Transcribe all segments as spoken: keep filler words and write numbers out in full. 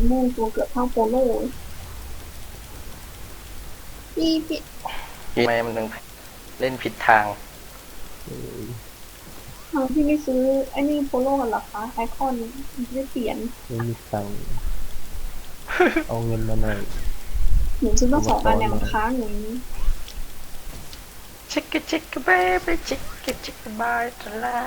ม่วงตัวเกือบเท่าโปโลพี่พี่ทำไมมันถึงเล่นผิดทางทางพี่ไม่ซื้อไอ้นี่โปโลกันหรอคะไอคอนไม่เปลี่ยนไม่มีตังค์เอาเงินมาหน่อยหนูซื้อมาสองอันเนี่ยมันค้างอย่างนี้เช็คกเช็คกเบไปเช็คกเช็คกบายจะไล่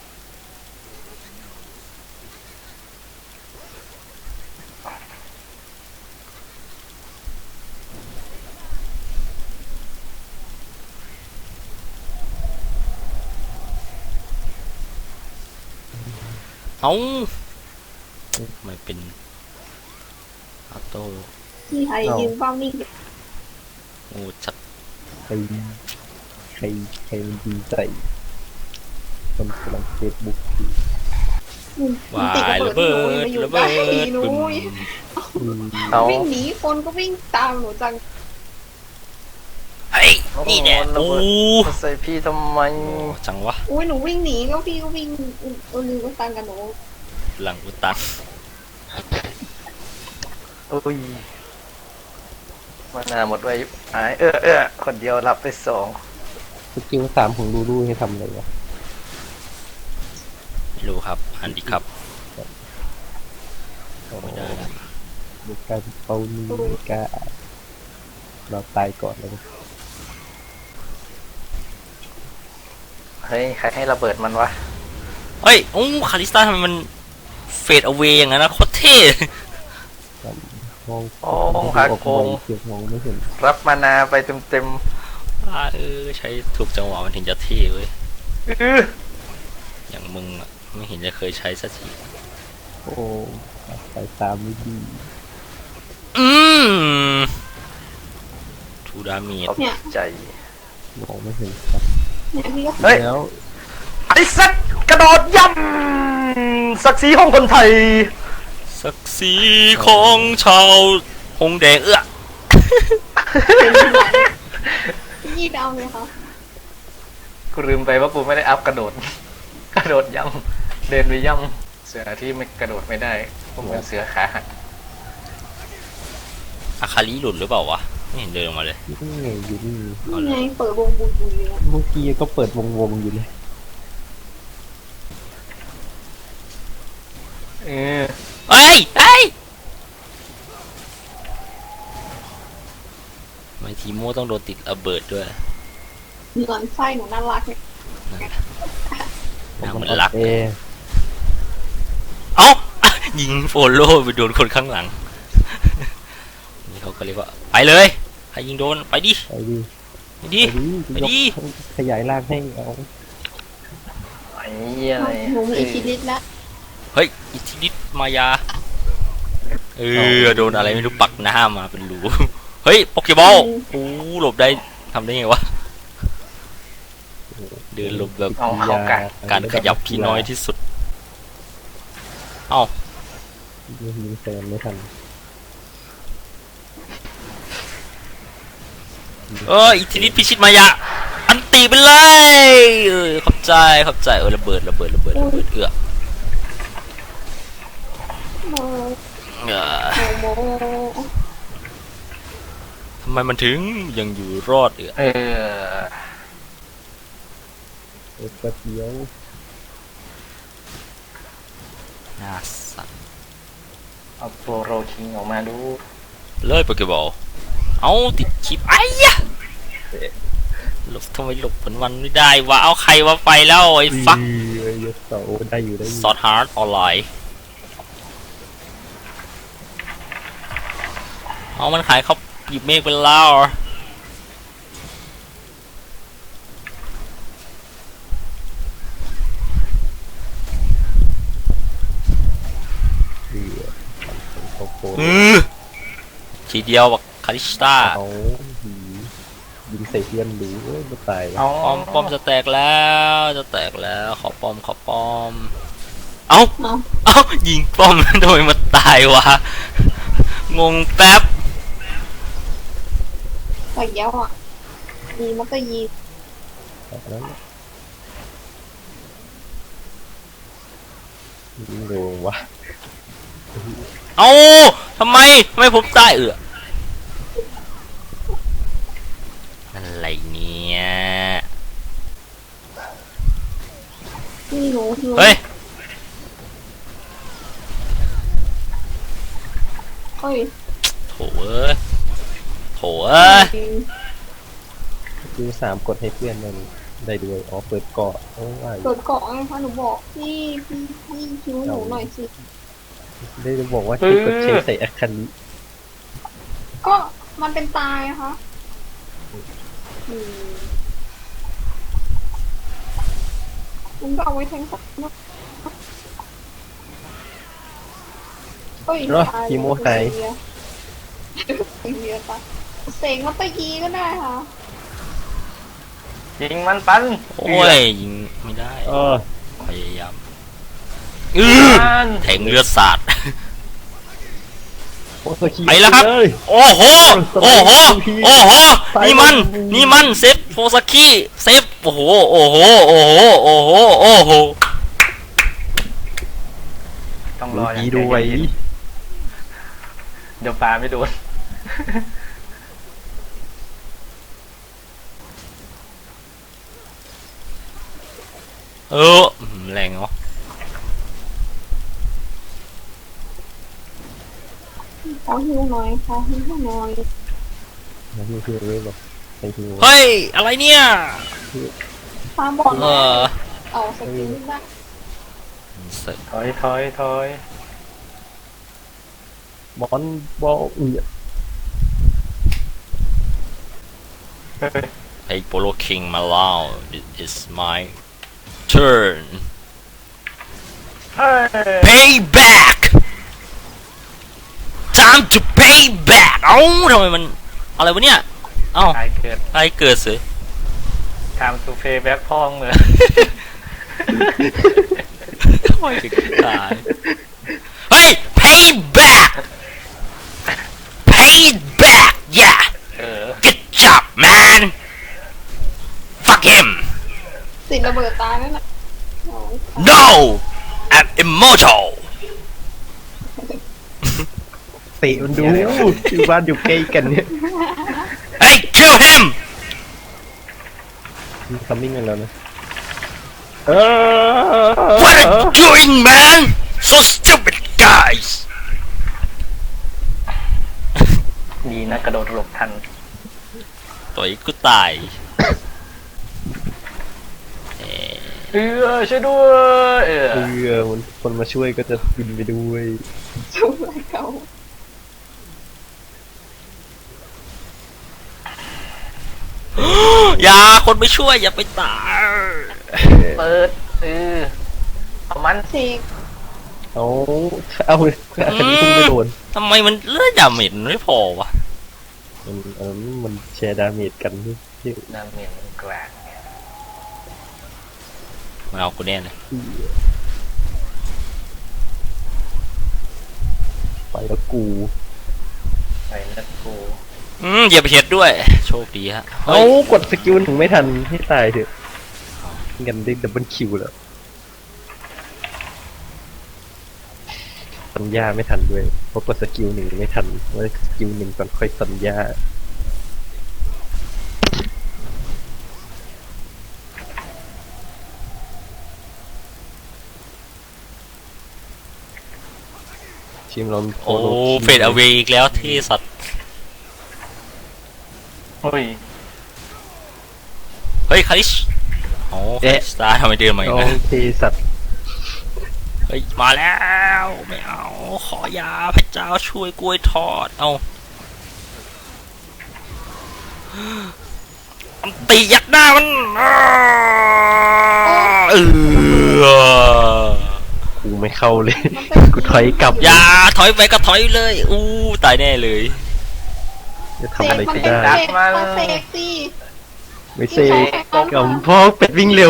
เอาไม่เป็นออโต้ที่ไอยืมบ้างนี่โอ้ชัดใครใครใครมันดีใจคนกำลังเฟซบุ๊กวายระเบิดระเบิดบึ้มวิ่งหนีคนก็วิ่งตามหนูจังเฮ้ยนี่แหละโอ้ใส่พี่ทำไมจังวะอุ้ยหนูวิ่งหนีก็พี่ก็วิ่งเออลืมก็ตังกันหนูหลังอุตันโอ้ยมานาหมดไว้หายเออเออคนเดียวรับไปสองสกิลสามของลูลูให้ทำอะไรวะไม่รู้ครับฮันดิครับไม่ได้นะบุกการเป้านี่บุกการเราตายก่อนเลยเฮ้ยใครให้ระเบิดมันวะเฮ้ยโอ้คาริสตาทำไมมันเฟดเอาเวอย่างนั้นนะโคตรเท่มองโอ้หักโกงรับมานาไปเต็มเต็มเออใช้ถูกจังหวะมันถึงจะเท่เว้ยอย่างมึงอะไม่เห็นจะเคยใช้สักทีโอ้ใส่ตามไม่ดีอืมทูดามีใจมองไม่เห็นครับเฮ้ยไอ้สักกระโดดย่ำศักดิ์ศรีของคนไทยศักดิ์ศรีของชาวหงแดงเอื้อยี่ดาวเลยค่ะกูลืมไปว่ากูไม่ได้อัพกระโดดกระโดดย่ำเดินไปย่ำเสือที่ไม่กระโดดไม่ได้ผมเป็นเสือขาหักอาคาริหลุดหรือเปล่าวะไม่เห็นเดินออกมาเลยนี่ไงอยู่นี่ไงเปิดวงบุยบุยเลยเมื่อกี้ก็เปิดวงวงอยู่เลยเออเอ้ยเอ้ยไม่ทีโม่ต้องโดนติดระเบิดด้วยเหมือนไส้หนูน่ารักเนี่ยน่าเหมือนรักเอ้ายิงโฟโล่ไปโดนคนข้างหลังนี่เขาก็เรียกว่าไปเลยใครยิงโดนไปดิไปดิไปดิไปดิขยายร่างให้เอาไอ้อะไรหนูมีอิทธิฤทธิ์แล้วเฮ้ยอิทธิฤทธิ์มายาเออโดนอะไรไม่รู้ปักหน้ามาเป็นรูเฮ้ยโปเกบอลโอ้หลบได้ทำได้ไงวะเดินหลบแบบการขยับที่น้อยที่สุดเอ้ายิงแซมไม่ทันเอออิทธิฤทธิ์พิชิตมายาอันตีไปเลยเออขอบใจขอบใจเออระเบิดระเบิดระเบิดระเบิดเอื้อทำไมมันถึงยังอยู่รอดเอื้อเออเออแป๊บเดียวน่าสั่นเอาโปรโรคิงออกมาดูเลยโปเกบอลเอาติดชิปไอ้ยะหลบทำไมหลบผลวันไม่ได้วะเอาใครวะไฟแล้วไอ้ฟักได้อยู่ได้ซอดฮาร์ดออนไลน์เอามันขายเขาหยิบเมฆไปแล้วอือทีเดียวบักคาริสตายิงใส่เพื่อนดูไม่ตายป้อมป้อมจะแตกแล้วจะแตกแล้วขอป้อมขอป้อมเอ้าเอ้ายิงป้อมโดยมาตายวะงงแป๊บไปเยอะอ่ะยีมันก็ยียิงโดนวะเอาทำไมทำไมผมตายเอออะไรเนี่ยนี่หนูหนูเฮ้ยเฮ้ยโถเอ้ยโถเอ้ยคิวสามกดให้เพื่อนได้ได้ด้วยอ๋อเปิดเกาะโอ้ยเกิดเกาะไงคะหนูบอกพี่พี่พี่คิวหนูหน่อยสิได้บอกว่าที่กดเช็คใส่อาคันนี้ก็มันเป็นตายนะคะอืมมันก็เอาไว้แทงสัตว์นะเฮ้ยเนาะตายคีโมไฮเสียเสียปะเสกมาตะยีก็ได้ค่ะยิงมันปันโอ้ยยิงไม่ได้เออพยายามอือปันแทงเลือดสาดโอ้สกีไปแล้วครับเลยโอ้โห โอ้โห โอ้โห นี่มัน นี่มันเซฟโฟซากิเซฟ โอ้โห โอ้โห โอ้โห โอ้โห โอ้โหต้องรดูออย่างดีใจด้วยเย็นๆเดี๋ยวปลาไม่โดนเออแรงเนาะขอหิวหน่อยขอหิวหน่อยมาฮิวฮิวเลยบอกไปฮิวเฮ้ย อะไรเนี่ยตามบอลเออเอาสกิลได้ถอยถอยถอยบอลบอลอือเฮ้ยไอ้โปโลคิงมาแล้ว it is my turn เฮ้ย pay back time to pay back เอ้าทำไมมัน อะไรวะเนี่ย เอ้าตายเกิดอะไรเกิดสิ time to pay back พ่องเลยทำไมถึงตาย เฮ้ย pay back pay back yeah เออ good job man fuck him ติดระเบิดตายนั่นแหละโอ้ย no I'm immortal เตะมันดูอยู่บ้านอยู่ใกล้กันเนี่ย hey kill him มีคัมมิ่งกันแล้วนะเออ what are you doing man so stupid guys ดีนะกระโดดหลบทันต่อยกูตายเอ่อเออช่วยด้วยเออเออมันคนมาช่วยก็จะบินไปด้วยช่วยเขาอย่าคนไม่ช่วยอย่าไปตายเปิดเออเอามันเสกเอาเอาอาคันนี้เพิ่งไม่โดนทำไมมันเลือดดาเมจมันไม่พอวะมันเออมันแชร์ดาเมจกันที่ที่น้ำเมียนกลางมาเอากูแน่เลยไปแล้วกูไปนัดกูอืมอย่าไปเห็ดด้วย โชคดีฮะเอาเฮ้ยกดสกิลถึงไม่ทันให้ตายเถอะกันได้ดับเบิลคิวแล้วสัญญาไม่ทันด้วยเพราะกดสกิลหนึ่งไม่ทันว่าสกิลหนึ่งก่อนค่อยสัญญาทีมเราโอ้เฟดเอาเวอีกแล้วที่สัตว์เฮ้ยเฮ้ยคาริชโอ้คาริสตาร์ทำไมเดินมาอีโอกนะเคสัตว์เฮ้ยมาแล้วไม่เอาขอยาพระเจ้าช่วยกล้วยทอดเอามันตียัดหน้ามันอ้าเออกูไม่เข้าเลยมันเป็นกูถอยกลับอย่าถอยไปก็ถอยเลยอู้ตายแน่เลยจะเสทำอะไรกมันก็เป็นได้เสกมาเสกสิไม่เซกับพ่อเป็ดวิ่งเร็ว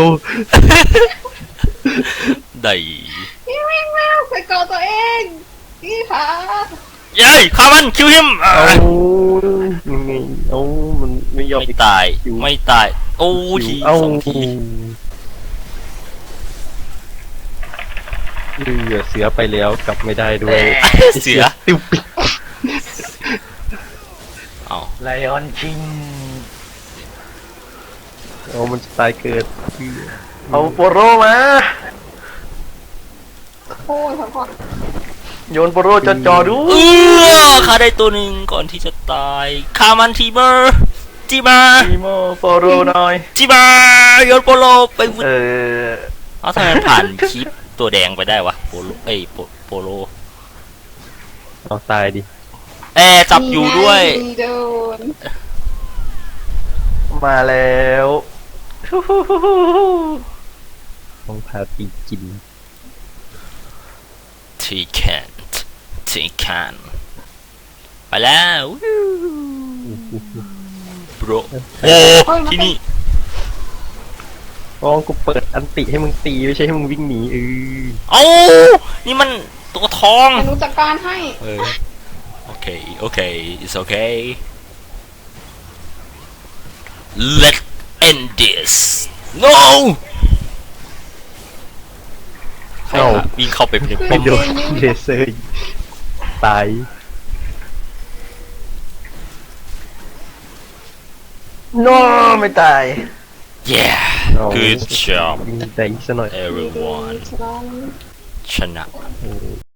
ได้พี่วิ่งแล้วไปเกาะตัวเองพี่ขาเย้ยฆ่ามันคิวฮิมเอายังไงเอามันไม่ยอมไม่ตายไม่ตายโอ้ทีเอาสองทีเออเสือไปแล้วกลับไม่ได้ด้วยเสือติวปิดเอาไลออนคิงโอ้มันจะตายเกิดเอาโปโรมาโอ้ยขอก่อนโยนโปโรจอจอดูเออข้าได้ตัวหนึ่งก่อนที่จะตายคามันทีเบอร์จีมาทีโมโปโรหน่อยจีมาโยนโปโลไปวุ้เออเอาทำไมผ่านคลิปตัวแดงไปได้วะโปโลเอ้ยโปโปโลเอาตายดิแอร์จับอยู่ด้วยนี่ไงโดนมาแล้วต้องพาตีกินทีแคนทีแคนไปแล้วบรโอ้ที่นี่กองกูเปิดอันติให้มึงตีไม่ใช่ให้มึงวิ่งหนีเออเอ้านี่มันตัวทองอนุจัดการให้เออโอเคโอเค it's okay let's end this no ใครอะวิ่งเข้าไปในป้ไม่อมโดนเลเซอร์ตายโนไม่ตาย yeah เอา good job วิ่งได้ซะหน่อย everyone ชนะโอ้